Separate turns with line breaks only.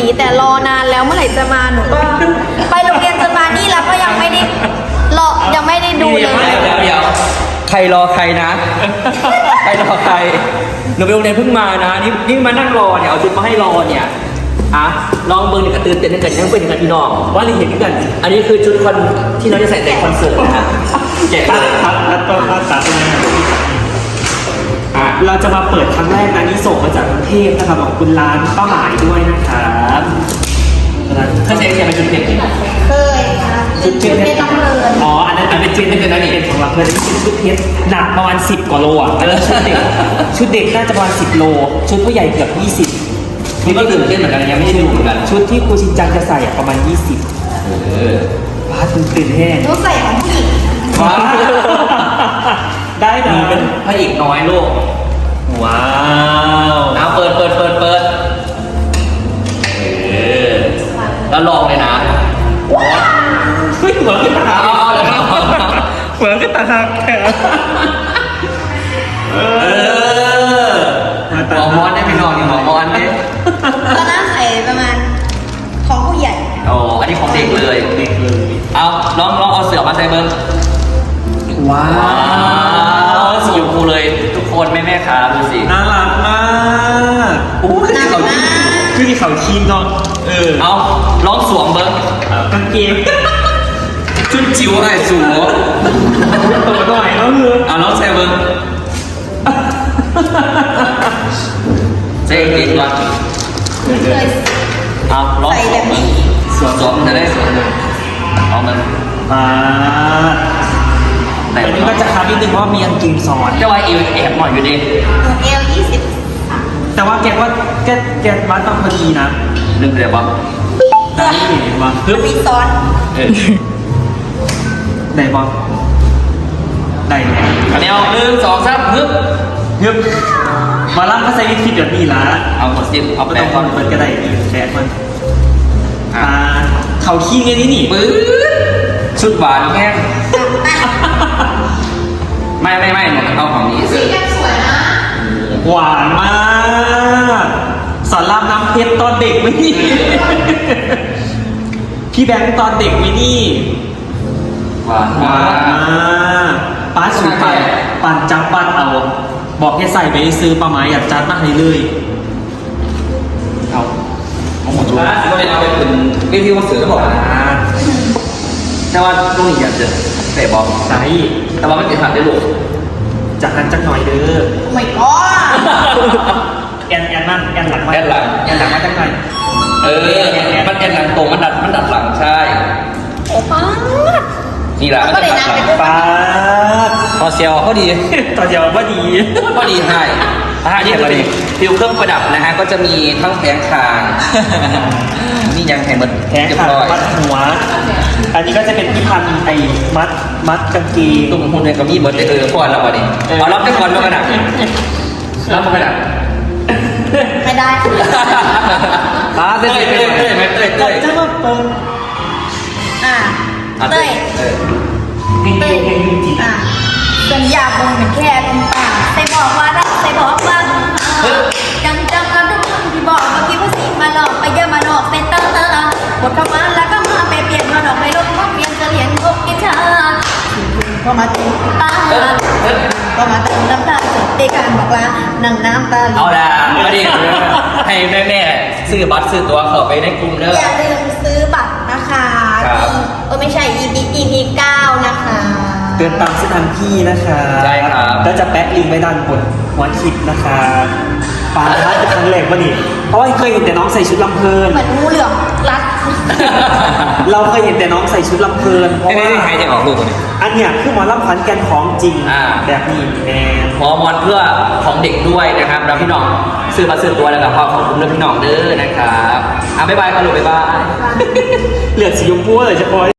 แต่รอนานแล้วเมื่อไหร่จะมาหนูก็ไปโรงเรียนจนมานี่แล้วก็ยังไม่ได้รอยังไม่ได้ดูเลย
เดี๋ยวใครรอใครนะ ใครรอใครหนูไปโรงเรียนเพิ่งมานะนี่มานั่งรอเนี่ยเอาชุดมาให้รอเนี่ยลองเบิร์นกระตือเต้นกันยังเป็นกันพี่น้องว่าเราเห็นกันอันนี้คือชุดคอนที่เราจะใส่ในคอนเสิร์ตนะแจกตัดครับแล้วก็ตัดเราจะมาเปิดครั้งแรกนะนี่ส่งมาจากกรุงเทพนะครับของคุณร้านป้าหมายด้วยนะครับเคยใส่เสียงเป็นชุดเพชร
เคยค่ะชุดเพชรต้องเลิน
อ๋ออันนั้นเป็นชุดเพชรนะนี่เป็นของเราเพื่อนเป็นชุดเพชรหนักประมาณ10 กว่าโลอ่ะชุดเด็กน่าจะประมาณ10 โลชุดผู้ใหญ่เกือบ20นี่ก็ตื่นเต้นเหมือนกันยังไม่ได้ดูเหมือนกันชุดที่ครูชินจังจะใส่ประมาณ20ว้าตื่นแห้ง
หนูใส่ของผู้หญิง
ว้าได้นะเป็นพระเอกน้อยโลกว้าวนะเปิดแล้วลองเลยนะเฮ้ยเหมือนกันตาเหมือนกันตาแค่หมอมอนได้ไม่นอนนี่หมอมอนเนี่ย
ตอนนั้นใส่ประมาณของผู้ใหญ่
อ๋ออันนี้ของเด็กเลยเอาลองเอาเสือมาใส่เบิ้งว้าวสีชมพูเลยทุกคนแม่ขาดูสิน่ารักมากโอ้คือที่เขาชีนเนาะเอาลองสวมเบิ้งกางเกงชุดจิ๋วอะไรสูงตัวหน่อยแล้วมือลองใส่เบิ้งเจ๊ดีกว่า
เคย
ลองสวมเบิ้งสวมจะได้สวมเลยเอามันแต่อันนี้ก็จะคาดนิดนึงว่ามีกางเกงซ้อนแต่ว่าเอวแอบหน่อยอยู่ดิ
เอล20
แต่ว่าแกว่าแกวัดต้องพอดีนะนึกเลยว่าได้เห็นว่า
มีซ้อน
ได้บอลได้อันนี้เอา1 2 3ฮึบมาล่างก็ใส่วิธีแบบนี้ละเอาหมดสิเอาไปตรงคอนเฟิร์ตก็ได้แบกมันเขาขี้ไงนี่ปื๊ดชุดหวานแค่ไม่หนูเอาของนี้สิสวยนะหวานมากสอนรามน้ำเพชรตอนเด็กไหมนี่พี่แบงค์ตอนเด็กไหมนี่หวานมากป้าสุดไปปั่นจับปั้นเอาบอกให้ใส่ไปซื้อปลาไม้อยากจัดมาให้เลยเอาหมดชุดก็เลยเอาไปเป็นวิธีว่าเสือก็บอกนะแต่ว่าลูกนี่อยากจะเตะบอลใช่แต่ว่าไม่ติดขัดได้ลูกจากนั้นจักหน่อยเด้อ
ไม่ก็
แอนนั่นแอนหลังมาจักหน่อยมันแอนหลังตรงมันดัดหลังใช่
โอ้ป้า
นี่แหละมันดัดหลังป้าต่อเซียวก็ดีต่อเซียวก็ดีให้นี่คือฟิวเครื่องประดับนะฮะก็จะมีทั้งแผงคางนี่ยังแผงมันแผงคางมัดหัวอันนี้ก็จะเป็นที่พันไอ้มัดกางเกงตุ้มหุ่นเนี่ยก็มีเบิร์ดก่อนแล้วก่อนดิเอารับได้ก่อนแล้วกันนะรับมากันนะ
ไม่ได้
เต้ยจะมาเปิด
เต้ยสัญญาคงเป็นแค่ลมปากใส่บอกว่ารักใส่บอกว่ายังจำกันทุกคำที่บอกเมื่อกี้ว่าสิมาหลอกไปเยอะมาหลอกเป็นตั้งหมดเข้ามาแล้วก็มาไปเปลี่ยนมาหลอกไปลดความเปลี่ยนจะเลียนพบกิจชาก็มาถึงตาก็มาถึงน้ำตาสุดในการบอกลานั่งน้ำตาเอาละ
มาดิให้แม่ซื้อบัตรซื้อตัวเข้าไปในกลุ่มเด้อ
อย่าลืมซื้อบัตรนะคะไม่ใช่ EP 9นะคะ
เดินตามเส้นทางพี่นะคะใช่ครับแล้วจะแปะลิงก์ไว้ด้านบนหัวคลิปนะคะปาท้าจะครั้งแรกป่ะนี่เพราะว่าเคยเห็นแต่น้องใส่ชุดลำเพลิน
เหมือนงูเหลือมรัด
เราเคยเห็นแต่น้องใส่ชุดลำเพลินเพราะว่าใครจะออกลูกคนนี้อันเนี้ยคือหมอลำขวัญแก่นของจริงแบบนี้แน่หมอมอนเพื่อของเด็กด้วยนะครับแล้วพี่น้องซื้อมาซื้อตัวแล้วก็ขอบคุณพี่น้องเด้อนะครับบ๊ายบายค่ะลูกบ๊ายบายเหลือสีชมพูเลยจะพอ